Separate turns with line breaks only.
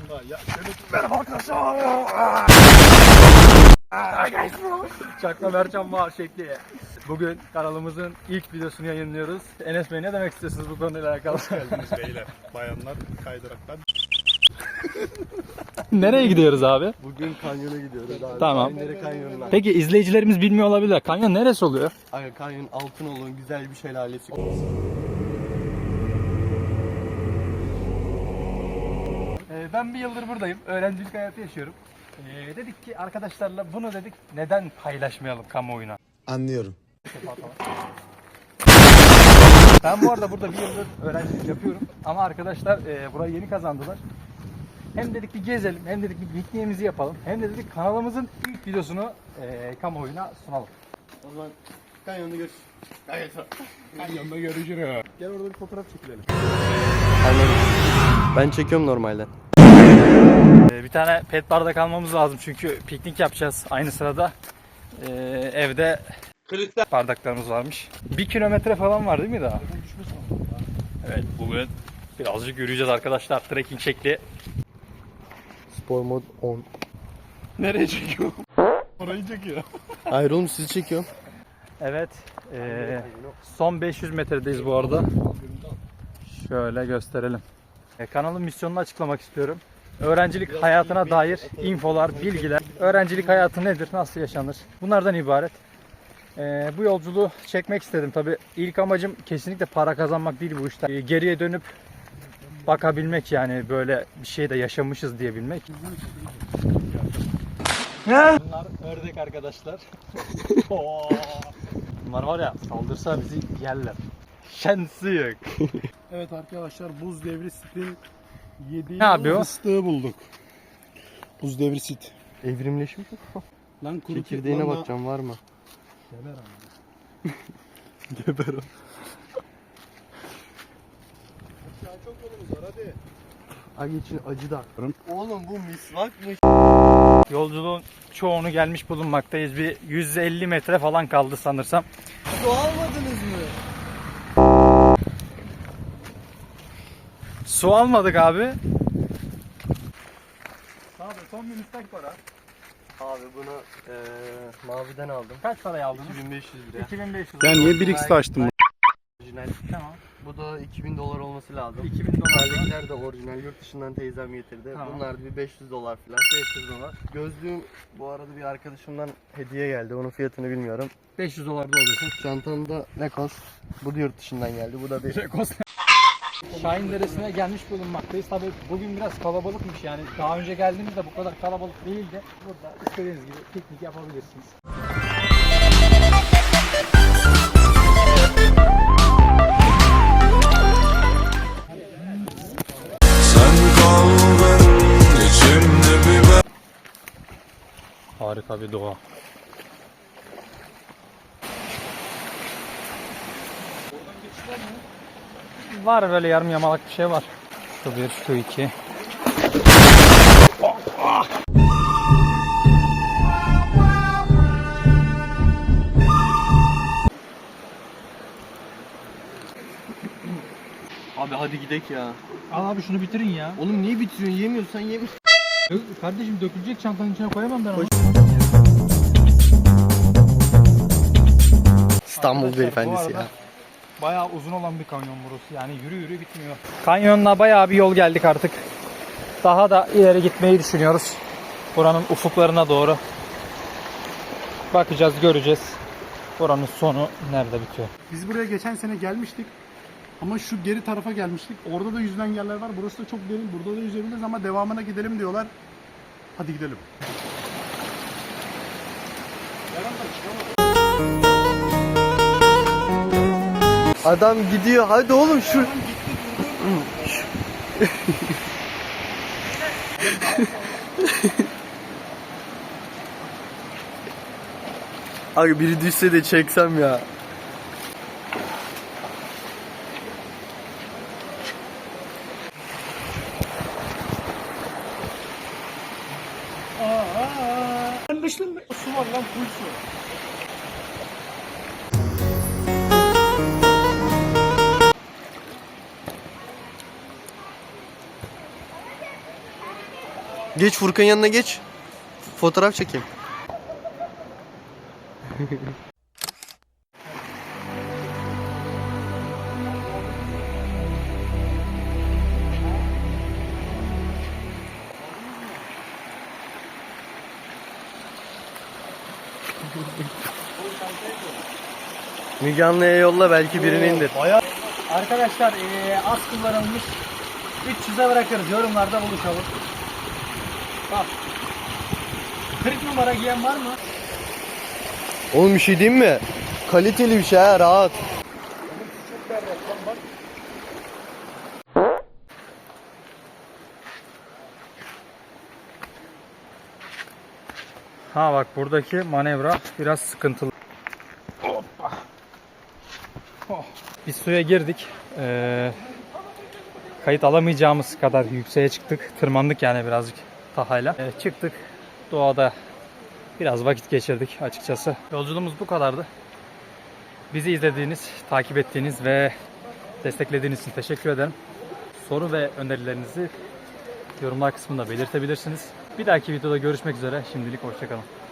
kanyonda. Merhaba arkadaşlar. Çakma Mercan var şekli. Bugün kanalımızın ilk videosunu yayınlıyoruz. Enes Bey ne demek istiyorsunuz bu konuyla alakalı?
Hoş geldiniz beyler. Bayanlar kaydıraktan.
Nereye gidiyoruz abi?
Bugün kanyona gidiyoruz abi.
Tamam.
Kanyonları kanyonlar.
Peki izleyicilerimiz bilmiyor olabilir. Kanyon neresi oluyor?
Aga kanyon Altınoluk'un güzel bir şelalesi.
Ben bir yıldır buradayım. Öğrencilik hayatı yaşıyorum. Dedik ki arkadaşlarla bunu dedik neden paylaşmayalım kamuoyuna?
Anlıyorum.
Ben bu arada burada bir yıldır öğrencilik yapıyorum. Ama arkadaşlar burayı yeni kazandılar. Hem dedik bir gezelim, hem dedik bir pikniğimizi yapalım. Hem de dedik kanalımızın ilk videosunu kamuoyuna sunalım.
O zaman kanyonda görüşürüz.
Kanyonda görüşürüz.
Gel orada bir fotoğraf çekilelim. Ben çekiyorum normalde.
Bir tane pet bardak almamız lazım çünkü piknik yapacağız aynı sırada. Evde bardaklarımız varmış. 1 kilometre falan var değil mi daha? Evet, bugün birazcık yürüyeceğiz arkadaşlar. Trekking şekli.
Spor mod 10.
Nereye çekiyor? Orayı çekiyor.
Hayır oğlum sizi çekiyorum.
Evet, son 500 metredeyiz bu arada. Şöyle gösterelim. Kanalın misyonunu açıklamak istiyorum. Öğrencilik hayatına dair infolar, bilgiler. Öğrencilik hayatı nedir, nasıl yaşanır? Bunlardan ibaret. Bu yolculuğu çekmek istedim. Tabii ilk amacım kesinlikle para kazanmak değil bu işte. Geriye dönüp bakabilmek, yani böyle bir şey de yaşamışız diyebilmek. Bunlar ördek arkadaşlar. Bunlar var ya, saldırsa bizi yerler. Şansı yok.
Evet arkadaşlar, buz devri sitin 7
Ne yapıyor?
fıstığı bulduk. Buz devri sit.
Evrimleşmiş mi?
Lan kuru
Çekirdeğine
lan
bakacağım var mı?
Geber ama.
Geber o.
Ya çok yolumuz var hadi.
Aga için acı da. Oğlum bu misvakmış.
Yolculuğun çoğunu gelmiş bulunmaktayız. Bir 150 metre falan kaldı sanırsam.
Su almadınız mı?
Su almadık abi. Abi son bir müstak para.
Abi bunu maviden aldım.
Kaç paraya aldınız?
2500 lira.
2500.
Ben niye 1x açtım?
Orijinal.
Tamam.
Bu da 2000 dolar olması lazım.
2000 dolar.
Terlikler de orijinal, yurt dışından teyzem getirdi.
Tamam.
Bunlar da bir 500 dolar falan.
500 dolar.
Gözlüğüm bu arada bir arkadaşımdan hediye geldi. Onun fiyatını bilmiyorum.
500 dolar da oluyorsun.
Çantamda Lacoste. Bu da yurt dışından geldi. Bu da bir
Şahin Deresi'ne gelmiş bulunmaktayız. Tabii bugün biraz kalabalıkmış yani. Daha önce geldiğimizde bu kadar kalabalık değildi. Burada istediğiniz gibi piknik yapabilirsiniz. Harika bir doğa. Var böyle yarım yamalak bir şey var. Şu bir, şu iki.
Abi hadi gidek ya.
Al abi şunu bitirin ya.
Oğlum niye bitiriyorsun? Yemiyorsan yeme.
Kardeşim dökülecek, çantanın içine koyamam ben onu.
İstanbul
Arkadaşlar,
beyefendisi
bu arada
ya.
bayağı uzun olan bir kanyon burası. Yani yürü yürü bitmiyor. Kanyonla bayağı bir yol geldik artık. Daha da ileri gitmeyi düşünüyoruz. Buranın ufuklarına doğru. Bakacağız, göreceğiz. Buranın sonu nerede bitiyor.
Biz buraya geçen sene gelmiştik. Ama şu geri tarafa gelmiştik. Orada da yüzülen yerler var. Burası da çok derin. Burada da yüzebiliriz ama devamına gidelim diyorlar. Hadi gidelim.
Adam gidiyor. Hadi oğlum şu. Abi biri düşse de çeksem ya.
Su var lan, full su.
Geç Furkan'ın yanına geç. Fotoğraf çekeyim. Müge Anlı'ya yolla, belki birini indir.
Arkadaşlar az kullanılmış 300'e bırakırız. Yorumlarda buluşalım. Bak. 40 numara giyen var mı?
Oğlum bir şey diyeyim mi? Kaliteli bir şey ha, rahat.
Ha bak, buradaki manevra biraz sıkıntılı. Hoppa. Oh. Biz suya girdik. Kayıt alamayacağımız kadar yükseğe çıktık. Tırmandık yani birazcık tahayla. Çıktık. Doğada biraz vakit geçirdik açıkçası. Yolculuğumuz bu kadardı. Bizi izlediğiniz, takip ettiğiniz ve desteklediğiniz için teşekkür ederim. Soru ve önerilerinizi yorumlar kısmında belirtebilirsiniz. Bir dahaki videoda görüşmek üzere. Şimdilik hoşça kalın.